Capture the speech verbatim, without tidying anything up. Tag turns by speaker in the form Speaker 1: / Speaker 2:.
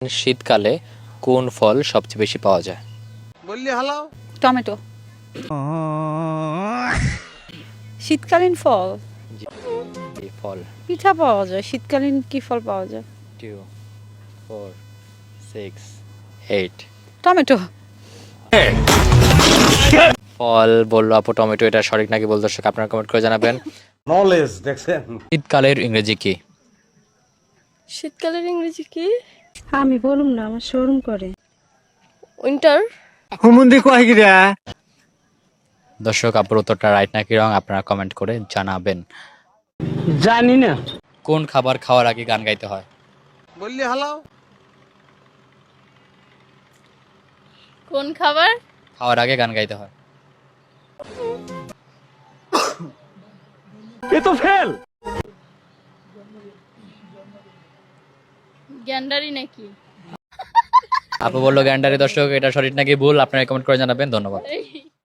Speaker 1: শীতকালে কোন ফল সবচেয়ে বেশি পাওয়া যায়?
Speaker 2: বললি হালাও
Speaker 3: টমেটো। শীতকালীন ফল
Speaker 1: জি, এই ফল।
Speaker 3: পিঠা পাওয়া যায়। শীতকালীন কি ফল পাওয়া যায়?
Speaker 1: Two four six eight
Speaker 3: tomato.
Speaker 1: ফল বললো আপু টমেটো, এটা সঠিক নাকি বল দর্শক আপনারা কমেন্ট করে জানাবেন।
Speaker 2: নলেজ দেখছেন।
Speaker 1: শীতকালের ইংরেজি কি?
Speaker 4: শীতকালের ইংরেজি কি?
Speaker 5: আমি বলুম না, আমার শোরুম করে।
Speaker 4: উইন্টার।
Speaker 1: দর্শক আপুর উত্তরটা রাইট নাকি রং আপনারা কমেন্ট করে জানাবেন।
Speaker 6: জানি না।
Speaker 1: কোন খাবার খাওয়ার আগে গান গাইতে হয়?
Speaker 2: বললি হালাও
Speaker 4: কোন খাবার?
Speaker 1: খাওয়ার আগে গান গাইতে হয়।
Speaker 6: এ তো ফেল।
Speaker 4: গ্যান্ডারি নাকি?
Speaker 1: আপু বললো গ্যান্ডারি। দর্শক এটা সঠিক নাকি ভুল আপনারা কমেন্ট করে জানাবেন। ধন্যবাদ।
Speaker 4: এই